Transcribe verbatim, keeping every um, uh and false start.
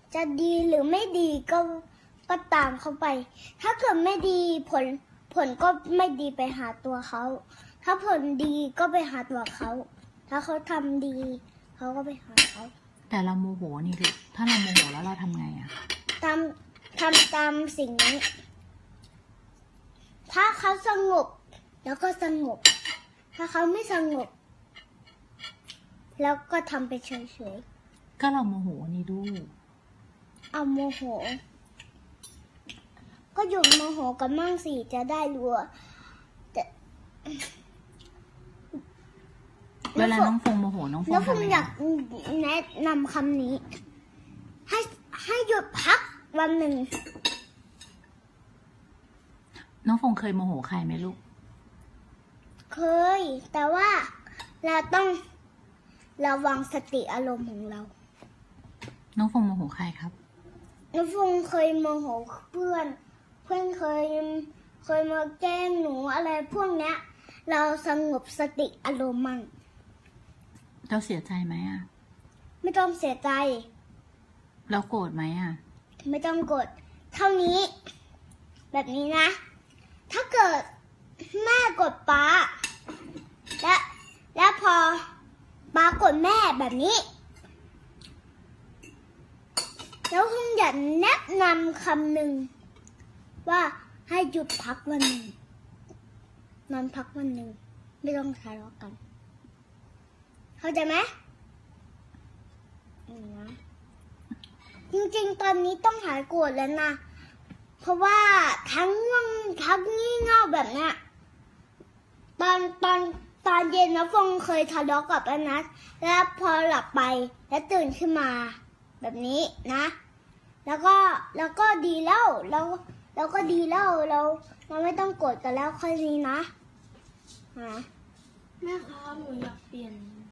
จะดีหรือไม่ดีก็ก็ตามเขาไป ถ้าเกิดไม่ดีผลผลก็ไม่ดีไปหาตัวเขา ถ้าผลดีก็ไปหาตัวเขา ถ้าเขาทำดีเขาก็ไปหาเขาแต่เราโมโหนี่ลูกถ้าเราโมโหแล้วเราทำไงอะทำทำตามสิ่งนี้ ถ้าเขาสงบแล้วก็สงบ ถ้าเขาไม่สงบ แล้วก็ทำไปเฉยก็เราโมโหนี่ลูกๆ เอาโมโห ก็หยุดโมโหกันมั่งสิจะได้รู้ว่าแต่เวลาน้องฟงโมโหน้องฟงแล้วผมทำไงอยากแนะนำคำนี้ ให้ให้หยุดพักวันหนึ่งน้องฟงเคยโมโหใครไหมลูกเคย แต่ว่าเราต้องระวังสติอารมณ์ของเราน้องฟงโมโหใครครับน้ำฟงเคยโมโหเพื่อน เพื่อนเคยเคยมาแกล้งหนูอะไรพวกเนี้ย เราสงบสติอารมณ์มั่งเราเสียใจไหมอะไม่ต้องเสียใจเราโกรธไหมอะไม่ต้องกด เท่านี้ แบบนี้นะ ถ้าเกิดแม่กดป้า และและพอป้ากดแม่แบบนี้ แล้วคุณอยากแนะนำคำหนึ่งว่าให้หยุดพักวันหนึ่งนอนพักวันหนึ่งไม่ต้องทะเลาะกัน เข้าใจไหมอืมนะจริงๆ ตอนนี้ต้องหายโกรธแล้วนะ เพราะว่าทั้งง่วงทั้งงี่เง่าแบบเนี้ย ตอนตอนตอนเย็นนะฟงเคยทะเลาะกับอนัทแล้วพอหลับไปแล้วตื่นขึ้นมา แบบนี้นะ แล้วก็แล้วก็ดีแล้วเราเราก็ดีแล้วเราเราไม่ต้องโกรธกันแล้วค่อยนี้นะฮะแม่ครับหนูอยากเปลี่ยน